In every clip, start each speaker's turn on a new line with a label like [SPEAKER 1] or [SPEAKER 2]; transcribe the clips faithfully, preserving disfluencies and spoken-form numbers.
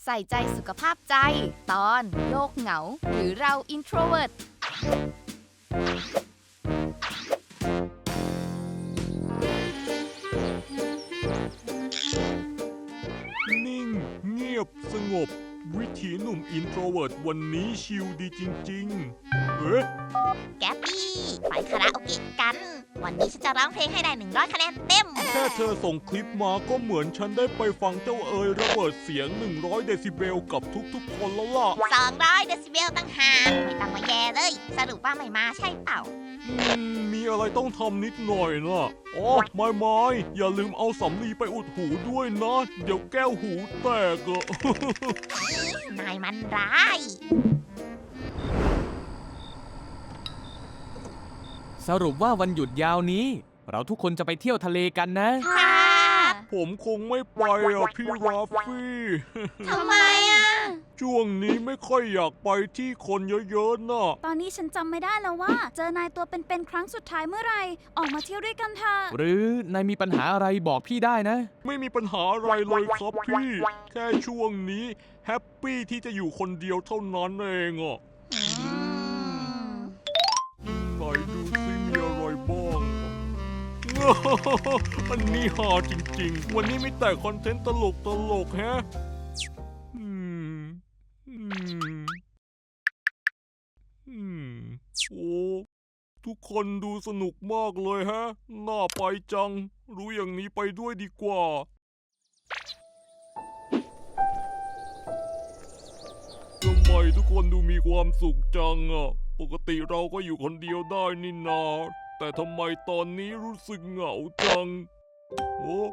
[SPEAKER 1] ใส่ใจสุขภาพใจตอนโลกเหงาหรือเรา introvert
[SPEAKER 2] นิ่งเงียบสงบวิถีหนุ่มอินโทรเวิร์ตวันนี้ชิลดีจริงๆเอ๊ะ
[SPEAKER 3] แกปปี้ไปคาราโอเกะกัน วันนี้ฉันจะร้องเพลงให้ได้หนึ่งร้อยคะแนนเต็ม
[SPEAKER 2] แค่เธอส่งคลิปมาก็เหมือนฉันได้ไปฟังเจ้าเอ๋ยระเบิดเสียงหนึ่งร้อยเดซิเบลกับทุกๆคนแล้วล่ะ
[SPEAKER 3] สองร้อยเดซิเบลตั้งหากไม่ต้องมาแย่เลย สรุปว่าไม่มาใช่เปล่า
[SPEAKER 2] อืมมีอะไรต้องทำนิดหน่อยนะอ๋อไม่ไม่อย่าลืมเอาสำลีไปอุดหูด้วยนะ เดี๋ยวแก้วหูแตกอะ
[SPEAKER 3] นายมันร้าย
[SPEAKER 4] สรุปว่าวันหยุดยาวนี้ เราทุกคนจะไปเที่ยวทะเลกันนะ
[SPEAKER 3] ค่ะ
[SPEAKER 2] ผมคงไม่ไปอ่ะพี่ราฟฟี่
[SPEAKER 3] ทำไมอ่ะ
[SPEAKER 2] ช่วงนี้ไม่ค่อยอยากไปที่คนเยอะๆน่ะ
[SPEAKER 5] ตอนนี้ฉันจำไม่ได้แล้วว่า เจอนายตัวเป็นๆครั้งสุดท้ายเมื่อไหร่ ออกมาเที่ยวด้วยกันเถอะ
[SPEAKER 4] หรือนายมีปัญหาอะไรบอกพี่ได้นะ
[SPEAKER 2] ไม่มีปัญหาอะไรเลยครับพี่ แค่ช่วงนี้แฮปปี้ที่จะอยู่คนเดียวเท่านั้นเองอ่ะไหนดูซิมีอะไรบ้าง อันนี้ฮาจริงๆ วันนี้มีแต่คอนเทนต์ตลกตลกๆแฮะอืมอืมอืมโอ้ทุกคนดูสนุกมากเลยฮะ น่าไปจัง รู้อย่างนี้ไปด้วยดีกว่าทำไมทุกคนดูมีความสุขจังอ่ะ ปกติเราก็อยู่คนเดียวได้นี่นา แต่ทำไมตอนนี้รู้สึกเหงาจัง โอ้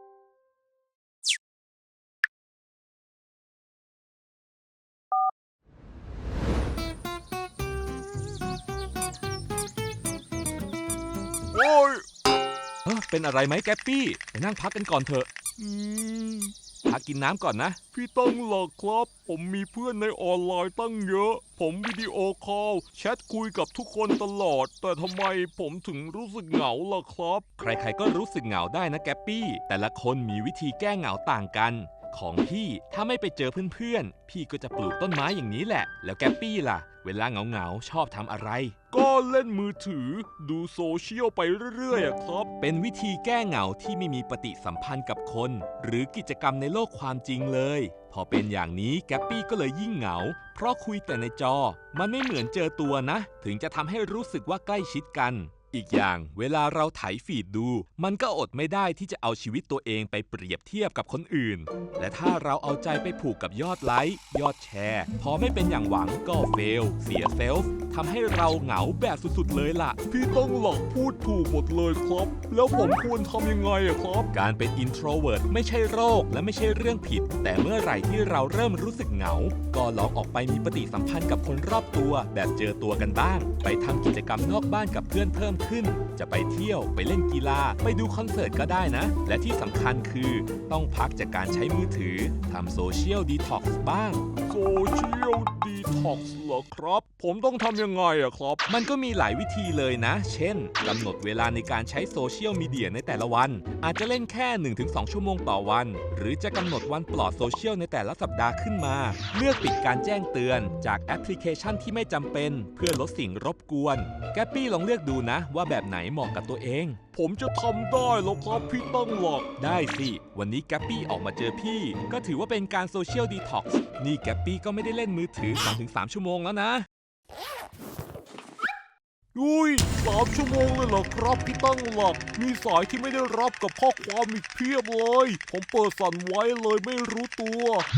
[SPEAKER 2] โอ้ย
[SPEAKER 6] เออเป็นอะไรไหมแกปปี้ไปนั่งพักกันก่อนเถอะ
[SPEAKER 2] อืม
[SPEAKER 6] พักกินน้ำก่อนนะ
[SPEAKER 2] พี่ตั้งหลักครับ ผมมีเพื่อนในออนไลน์ตั้งเยอะ ผมวิดีโอคอลแชทคุยกับทุกคนตลอด แต่ทำไมผมถึงรู้สึกเหงาล่ะครับ
[SPEAKER 6] ใครๆก็รู้สึกเหงาได้นะแกปปี้ แต่ละคนมีวิธีแก้เหงาต่างกัน ของพี่ถ้าไม่ไปเจอเพื่อนๆ พี่ก็จะปลูกต้นไม้อย่างนี้แหละ แล้วแกปปี้ล่ะ เวลาเหงาๆชอบทำอะไร
[SPEAKER 2] ก็เล่นมือถือดูโซเชียลไปเรื่อยๆอะครับ
[SPEAKER 6] เป็นวิธีแก้เหงาที่ไม่มีปฏิสัมพันธ์กับคน หรือกิจกรรมในโลกความจริงเลย พอเป็นอย่างนี้แกปปี้ก็เลยยิ่งเหงา เพราะคุยแต่ในจอ มันไม่เหมือนเจอตัวนะ ถึงจะทำให้รู้สึกว่าใกล้ชิดกัน อีกอย่างเวลาเราไถฟีดดู มันก็อดไม่ได้ที่จะเอาชีวิตตัวเองไปเปรียบเทียบกับคนอื่น และถ้าเราเอาใจไปผูกกับยอดไลค์ยอดแชร์ พอไม่เป็นอย่างหวังก็เฟล เสียเซลฟ์ทำให้เราเหงาแบบสุดๆเลยล่ะ
[SPEAKER 2] พี่ตั้งหลักพูดถูกหมดเลยครับ แล้วผมควรทำยังไงอะครับ
[SPEAKER 6] การเป็น introvert ไม่ใช่โรคและไม่ใช่เรื่องผิด แต่เมื่อไหร่ที่เราเริ่มรู้สึกเหงา ก็ลองออกไปมีปฏิสัมพันธ์กับคนรอบตัวแบบเจอตัวกันบ้าง ไปทำกิจกรรมนอกบ้านกับเพื่อนเพิ่มขึ้น จะไปเที่ยวไปเล่นกีฬาไปดูคอนเสิร์ตก็ได้นะ และที่สำคัญคือต้องพักจากการใช้มือถือทำโซเชียลดีท็อกซ์บ้าง
[SPEAKER 2] โซเชียลดีท็อกซ์เหรอครับ ผมต้องทำยังไงอะครับ
[SPEAKER 6] มันก็มีหลายวิธีเลยนะ เช่น กำหนดเวลาในการใช้โซเชียลมีเดียในแต่ละวัน อาจจะเล่นแค่ หนึ่งถึงสอง ชั่วโมงต่อวัน หรือจะกำหนดวันปลอดโซเชียลในแต่ละสัปดาห์ขึ้นมา เลือกปิดการแจ้งเตือนจากแอปพลิเคชันที่ไม่จำเป็น เพื่อลดสิ่งรบกวน แกปปี้ลองเลือกดูนะว่าแบบไหนเหมาะกับตัวเอง
[SPEAKER 2] ผมจะทำได้แล้วครับพี่ตั้งหลัก
[SPEAKER 6] ได้สิ วันนี้แกปปี้ออกมาเจอพี่ ก็ถือว่าเป็นการโซเชียลดีท็อกซ์ นี่แกปปี้ก็ไม่ได้เล่นมือถือ สองถึงสาม ชั่วโมงแล้วนะ
[SPEAKER 2] อุ้ยสามชั่วโมงเลยเหรอครับพี่ตั้งหลัก มีสายที่ไม่ได้รับกับข้อความอีกเพียบเลย ผมเปิดสั่นไว้เลยไม่รู้ตัว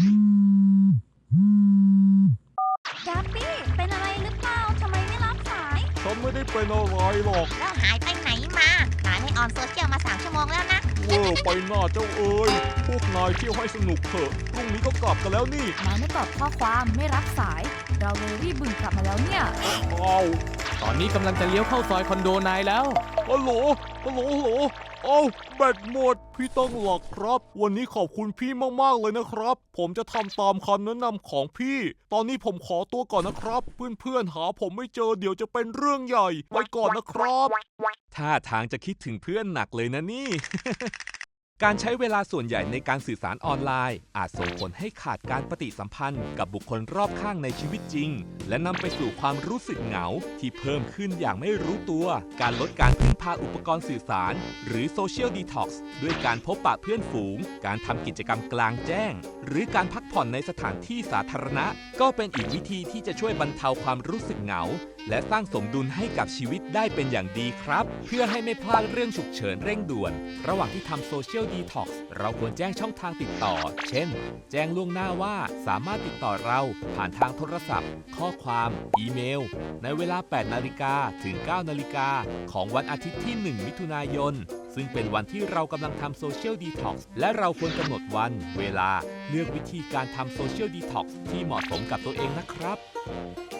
[SPEAKER 5] แกปปี้ เป็นอะไรหรือเปล่า ทำไมไม่รับสาย
[SPEAKER 2] ฉันไม่ได้เป็นอะไรหรอก
[SPEAKER 3] แล้วหายไปไหนมา นายไม่ออนโซเชียลมาสามชั่วโมงแล้วนะ
[SPEAKER 2] เวอร์ไปหน้าเจ้าเอ๋ยพวกนายเที่ยวให้สนุกเถอะ พรุ่งนี้ก็กลับกันแล้วนี่
[SPEAKER 1] นายไม่ตอบข้อความไม่รับสาย เราเลยรีบบึ่งกลับมาแล้วเนี่ย
[SPEAKER 2] อ้าว
[SPEAKER 4] ตอนนี้กำลังจะเลี้ยวเข้าซอยคอนโดนายแล้ว
[SPEAKER 2] ฮัลโหล ฮัลโหล ฮัลโหล เอ้าแบตหมด พี่ตั้งหลักครับ วันนี้ขอบคุณพี่มากๆเลยนะครับ ผมจะทำตามคำแนะนำของพี่ ตอนนี้ผมขอตัวก่อนนะครับ เพื่อนๆหาผมไม่เจอเดี๋ยวจะเป็นเรื่องใหญ่ ไปก่อนนะครับ
[SPEAKER 6] ท่าทางจะคิดถึงเพื่อนหนักเลยนะนี่การใช้เวลาส่วนใหญ่ในการสื่อสารออนไลน์อาจส่งผลให้ขาดการปฏิสัมพันธ์กับบุคคลรอบข้างในชีวิตจริงและนำไปสู่ความรู้สึกเหงาที่เพิ่มขึ้นอย่างไม่รู้ตัวการลดการพึ่งพาอุปกรณ์สื่อสารหรือโซเชียลดีท็อกซ์ด้วยการพบปะเพื่อนฝูงการทำกิจกรรมกลางแจ้งหรือการพักผ่อนในสถานที่สาธารณะก็เป็นอีกวิธีที่จะช่วยบรรเทาความรู้สึกเหงาและสร้างสมดุลให้กับชีวิตได้เป็นอย่างดีครับเพื่อให้ไม่พลาดเรื่องฉุกเฉินเร่งด่วนระหว่างที่ทำโซเชียลดีท็อกซ์เราควรแจ้งช่องทางติดต่อเช่นแจ้งล่วงหน้าว่าสามารถติดต่อเราผ่านทางโทรศัพท์ ข้อความอีเมลในเวลา แปดนาฬิกา ถึง เก้านาฬิกา ของวันอาทิตย์ที่ หนึ่ง มิถุนายนซึ่งเป็นวันที่เรากำลังทำโซเชียลดีท็อกซ์และเราควรกำหนดวันเวลาเลือกวิธีการทำโซเชียลดีท็อกซ์ที่เหมาะสมกับตัวเองนะครับ